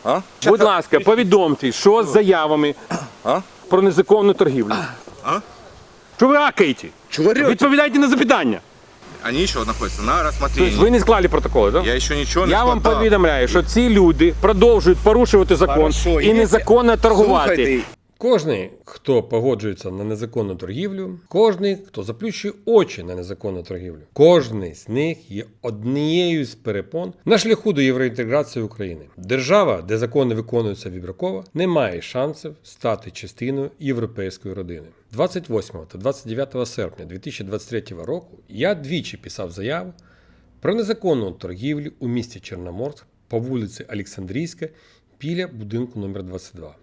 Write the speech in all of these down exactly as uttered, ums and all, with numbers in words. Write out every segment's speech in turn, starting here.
А? Будь ласка, повідомте, що з заявами А? про незаконну торгівлю. А? Що ви акаєте? Чего орете? Відповідайте на запитання. Они еще находятся на рассмотрении. Тобто ви не склали протоколи, так? Я еще ничего не Я вам складав. повідомляю, що ці люди продовжують порушувати закон Хорошо, і є- незаконно торгувати. Слухайте, Кожний, хто погоджується на незаконну торгівлю, кожний, хто заплющує очі на незаконну торгівлю, кожний з них є однією з перепон на шляху до євроінтеграції України. Держава, де закони виконуються вибірково, не має шансів стати частиною європейської родини. двадцять восьмого та двадцять дев'ятого серпня дві тисячі двадцять третього року я двічі писав заяву про незаконну торгівлю у місті Чорноморськ по вулиці Олександрійська біля будинку номер двадцять два.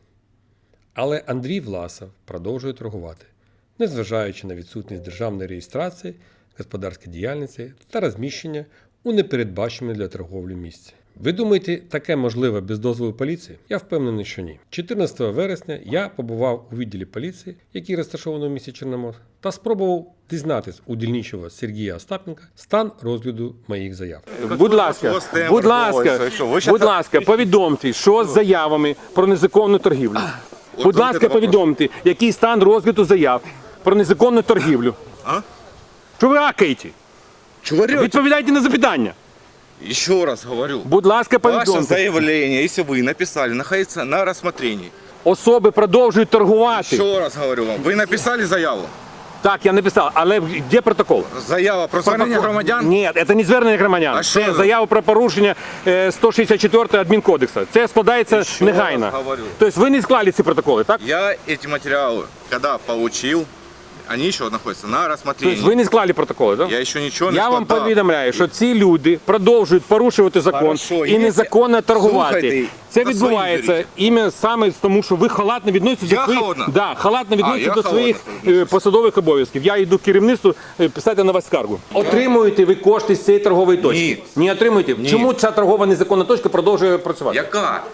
Але Андрій Власов продовжує торгувати, незважаючи на відсутність державної реєстрації, господарської діяльності та розміщення у непередбаченому для торговлі місці. Ви думаєте, таке можливе без дозволу поліції? Я впевнений, що ні. чотирнадцятого вересня я побував у відділі поліції, який розташований у місті Чорноморськ, та спробував дізнатись у дільничого Сергія Остапенка стан розгляду моїх заяв. Будь ласка, будь ласка, будь ласка, повідомте, що з заявами про незаконну торгівлю. Будь ласка, повідомте, який стан розгляду заяв про незаконну торгівлю. А? Що ви акаєте? Чего орете? Відповідайте на запитання. Еще раз говорю. Будь ласка, Ваше повідомте. заявление, если вы написали, находится на рассмотрении. Особи продовжують торгувати. Еще раз говорю вам. Вы написали заяву? Так, я написав, але де протокол? Заява про звернення громадян? Ні, це не звернення громадян. А що Це ви? заява про порушення е, сто шістдесят четвертого адмінкодексу. Це складається Ще негайно. раз говорю. Тобто ви не склали ці протоколи, так? Я эти материалы, когда получил, они еще находятся на рассмотрении. Тобто ви не склали протоколи, так? Я еще ничего не Я вам складав. повідомляю, що ці люди продовжують порушувати закон Хорошо, і є- незаконно торгувати. Слухайте, Це за відбувається своїм іменно саме тому, що ви халатно відноситесь Я до своїх, халатно? да, халатно відноситесь я до халатно своїх відношусь. е, посадових обов'язків. Я йду в керівництво е, писати на вас скаргу. Отримуєте ви кошти з цієї торгової точки? Ні. Не отримуєте? Ні. Чому ця торгова незаконна точка продовжує працювати? Яка?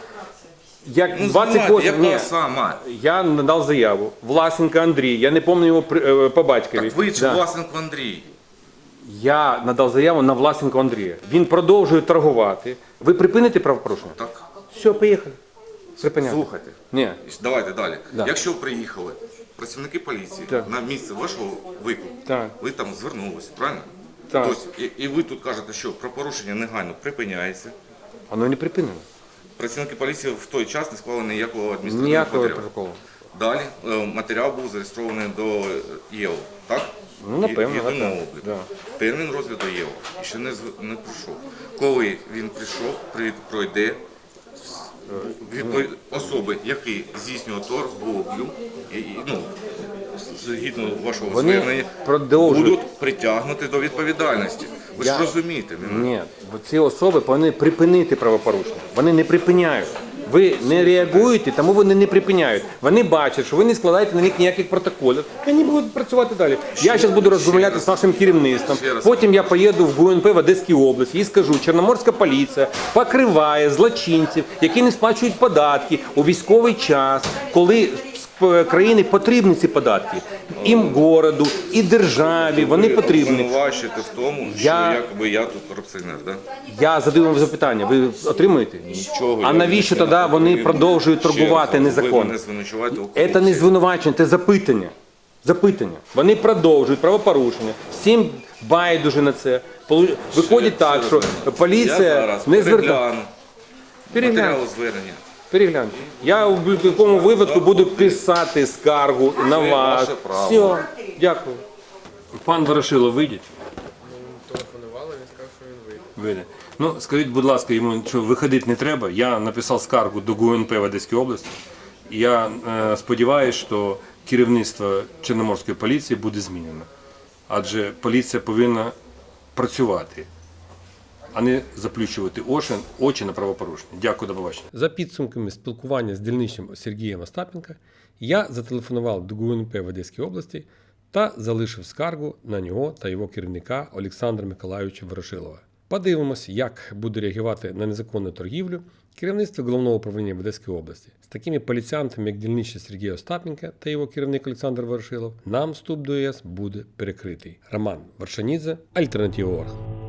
Як Ну, двадцять знімайте, восьмого яка ні. сама? Я надав заяву. Власенко Андрій, я не пам'ятаю його при- е, по батькові. Так ви ж Да. Власенко Андрій. Я надав заяву на Власенко Андрія. Він продовжує торгувати. Ви припините правопорушення? Так, Все, поїхали. Припиняти. слухайте. Ні. Давайте далі. Да. Якщо приїхали працівники поліції Так. на місце вашого виклику, Так. ви там звернулися, правильно? Так. Тобто, і, і ви тут кажете, що про порушення негайно припиняється. Воно не припинено. Працівники поліції в той час не склали ніякого адміністративного Ніякого матеріалу. протоколу. Далі е, матеріал був зареєстрований до ЄО, так? Ну, напевно, Є- єдиного так. обліку. Да. Термін розгляду ЄО і ще не, зв- не прийшов. Коли він прийшов, при- пройде відповідь особи, які здійснюють торговлю, і, і, ну, згідно вашого Вони звернення, продовжують. будуть притягнуті до відповідальності. Ви Я- ж розумієте мене? Ні, бо ці особи повинні припинити правопорушення. Вони не припиняють. Ви не реагуєте, тому вони не припиняють. Вони бачать, що ви не складаєте на них ніяких протоколів. Вони будуть працювати далі. Я зараз буду розмовляти з нашим керівництвом. Ще раз. Потім я поїду в ГУНП в Одеській області і скажу, Чорноморська поліція покриває злочинців, які не сплачують податки у військовий час, коли з країни потрібні ці податки. І городу, і державі, вони Ви потрібні. обвинувачуєте в тому, що Я- якби я тут корупціонер, так? Да? Я задаю вам запитання, ви отримуєте? Нічого, А я навіщо не тоді знаю. вони Ви- продовжують ще раз торгувати кажу, Ви незаконно? мене звинувачуєте у Це не корупції. звинувачення, це запитання. Запитання. Вони продовжують правопорушення. Всім байдуже на це. Полу- Виходить Ще- так, ще що раз кажу. поліція Я зараз не звертає. перегляну Перегляньте. матеріали звернення. Перегляньте. Я в будь-якому випадку буду писати скаргу на вас. ваше право. Все, дякую. Пан Ворошилов, вийдіть. Телефонували, він сказав, що він вийде. Вийде. Ну, скажіть, будь ласка, йому, що виходити не треба. Я написав скаргу до ГУНП в Одеській області. І я е, сподіваюся, що керівництво Чорноморської поліції буде змінено. Адже поліція повинна працювати, а не заплющувати очі, очі на правопорушення. Дякую, до побачення. За підсумками спілкування з дільничним Сергієм Остапенка, я зателефонував до ГУНП в Одеській області та залишив скаргу на нього та його керівника Олександра Миколайовича Ворошилова. Подивимось, як буде реагувати на незаконну торгівлю керівництво Головного управління в Одеській області. З такими поліціянтами, як дільничний Сергій Остапенка та його керівник Олександр Ворошилов, нам вступ до ЄС буде перекритий. Роман Варшанідзе, Альтернатива Орг.